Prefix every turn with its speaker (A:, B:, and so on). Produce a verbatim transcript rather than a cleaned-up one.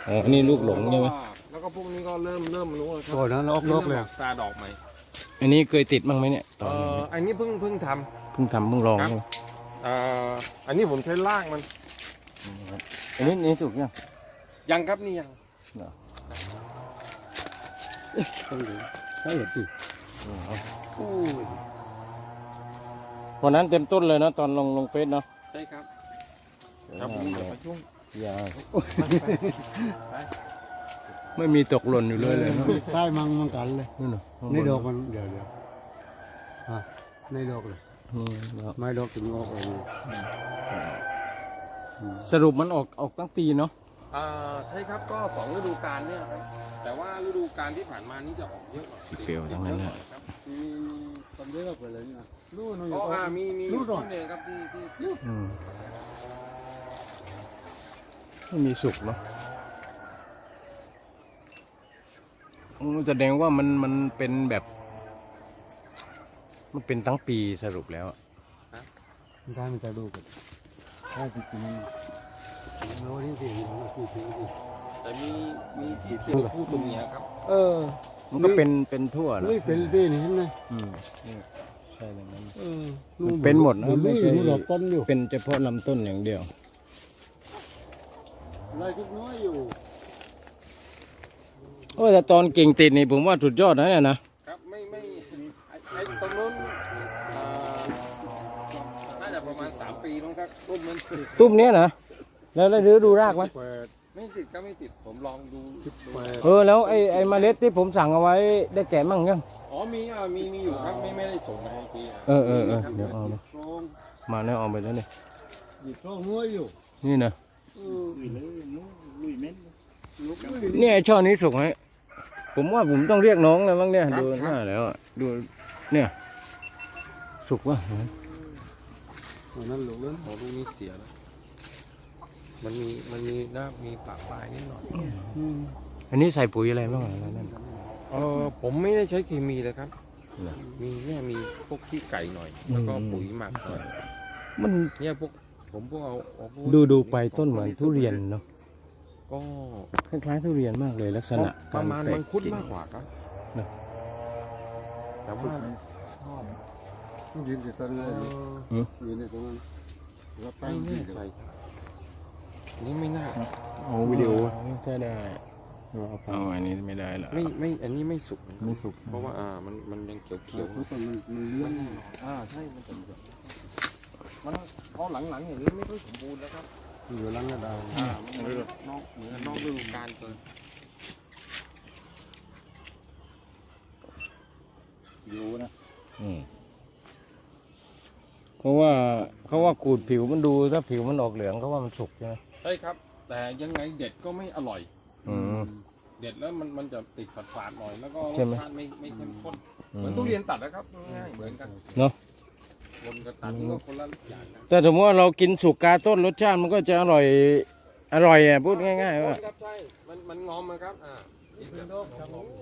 A: อ๋ออันนี้ลูกหลงใช่ไหม
B: แล้วก็พวกนี้ก็เริ่มเริ่มรู้แล้วครั
C: โอ้ยนั้นลอกลอกเลย
B: ตาดอกใหม่
A: อันนี้เคยติดบ้างไหมเนี่ยต
B: เอ
A: อนนี้
B: ออันนี้เพิ่งเพิ่งท
A: เพิ่งทำเพิ่งลอง
B: ครับ
A: ใช่ไหม
B: ำเอ่ออันนี้ผมใช้ล่างมัน
A: อันนี้นี่สุกยัง
B: ยังครับนี่ยัง
C: ต้องดูใช่เหรอสิโอ้ย
A: วันนั้นเต็มต้นเลยนะตอนลงลงเฟซเนาะ
B: ใช่ครับครับผมอย่าไปยุ่ง
A: ยาไม่มีตกหล่นอยู่เลยเลยเนอะ
C: ใต้มังมังกันเลย
A: นี่เนาะ
C: นี่ดอกมันเดี๋ยวเดี๋ยวอ่ะนี่ดอกเลย
A: อืมครับ
C: ไม่ดอกถึงออกเอง
A: สรุปมันออกออกตั้งปีเนาะ
B: อ่าใช่ครับก็สองฤดูกาลเนี่ยครับแต่ว่าฤดูกาลที่ผ่านมานี่จะออกเยอะกว่า
A: เปรี้ยวทั้งนั้นนะ
B: ครับ
C: มีตอนนี้ก็ไปเลยนี่นะรู้หน่อย
B: อ๋ออ่ามีมี
C: รู้หน่
B: ต้
C: อย
B: นหนึ่งครับที่ที่
A: อืมไม่มีสุกเนาะอืมแสดงว่ามันมันเป็นแบบ มันเป็นทั้งปีสรุปแล้วอะ
C: ได้มันจะดูกันได้จริงๆโน้นี่สิสิสิสิ
B: แต่มีมีที่ที่คู่ตรงเนี้ยครับ
C: เออ
A: มันก็เป็นเป็นทั่วนะ
C: ลุยเป็นดีนี่เห็นไหม
A: อืมนี่ใช่เลยนั้น
C: เออ
A: มันเป็นหมดนะ
C: ลุ
A: ไม่
C: ย
A: ใช่
C: ดูดอกต้นอยู่
A: เป็นเฉพาะลำต้นอย่างเดียว
C: ลายทุกน้อยอยู่
A: โอ้แต่ตอนกิ่งติดนี่ผมว่าสุดยอดนะเนี่ยนะครับ
B: ไม่ไม่ไอ้ไอ้ตรงนู้นอ่าน่าจะประมาณสามปีน้องครับรูปมัน
A: ตุ้มเนี้ยนะแล้วแล้วดูดูรากไหม
C: แปด
B: ไม่ติดก็ไม่ติดผมลองดูดู
C: แปด
A: เออแล้วไอ้ไอ้เมล็ดที่ผมสั่งเอาไว้ได้แกะมั่งยัง
B: อ๋อมีอ่ะมีมีอยู่ครับไม่ไม่ได้ส่งมาให้พี่ะ
A: เออเออเออ
B: ครับ
A: เดี๋ยวเอามา
C: ตรง
A: มาแล้วเอาไปแล้วเนี่ย
C: หยิบโซ่น้อยอยู่
A: นี่นะ
C: เออลุยเลยลุยเม็ดลุก
A: เนี่ยไอ้ช่อนี้สุกไหมผมว่าผมต้องเรียกน้องเลยมั้งเนี่ยดูหน้าแล้วอะดูเนี่ยสุกวะ
C: อันนั้นลุกเลย
B: โอ้ลูกนี้เสียแล้วมันมีมันมีนะมีปากปลายนิดหน่อย
A: อันนี้ใส่ปุ๋ยอะไรบ้างอะไรนั่น
B: เออผมไม่ได้ใช้เคมีเลยครับ
A: เหรอ
B: มีเนี่ยมีพวกขี้ไก่หน่อย แล้วก็
A: อืม
B: ปุ๋ยหมักหน่อย
A: มัน
B: เนี่ยพวกผมพวกเอาเอาพวก
A: ดูดูไปต้นเหมือนทุเรียนเนาะ
B: ก็
A: คล้ายๆทุเรียนมากเลยลักษณะ
B: ประมาณ
A: กแต
B: มังคุด
A: กิ่ง
B: มากกว่าครับ
A: เนอะ
B: แต่ว่า
C: ยืนอยู่ตรงนั้นเลยยืนอยู่ตรงนั้นแล้วตั้
B: ไม่
C: ง
B: แน่ใจนี่ไม่น่า
A: เอาวิดีโอใช่ได้เอาอันนี้ไม่ได้ละ
B: ไม่ไม่อันนี้ไม่สุก
A: ไม่สุก
B: เพราะว่าอ่ามันมันยังเขียวเขียว
C: เพราะตอนมันมันเลี้ยง
B: อ่าใช่มันเป็นแบบมันพอหลังๆอย่างนี้ไม่ค่อยสมบูรณ์แล้วครับ
C: อยู่หลังกระดาน
B: อ่ามันเหมือนนอกเหมือนนอกฤดูกาลเกิน
C: อยู่นะ
A: อืมเพราะว่าเขาว่าขูดผิวมันดูถ้าผิวมันออกเหลืองเขาว่ามันสุกใช่ไหม
B: ใช่ครับ แต่ยังไงเด็ดก็ไม่อร่อย
A: อืม
B: เด็ดแล้วมันมันจะติดฝาดๆหน่อยแล้วก็ร
A: ใช่
B: ส
A: ไหม
B: ชาติไม่ไม่เข้มข้น
A: อื
B: เหมือน
A: ม
B: ทุเรียนตัดนะครับง่ายๆเหมือนกัน
A: เนอะ
B: คนกับตัดนี่ก็คนละอย่างกัน
A: แต่สมมติว่าเรากินสุกกาต้นรสชาติมันก็จะอร่อย อร่อยอ่ะพูดง่ายๆว่า
B: ครับใช่มันมันงอมนะครับอ่า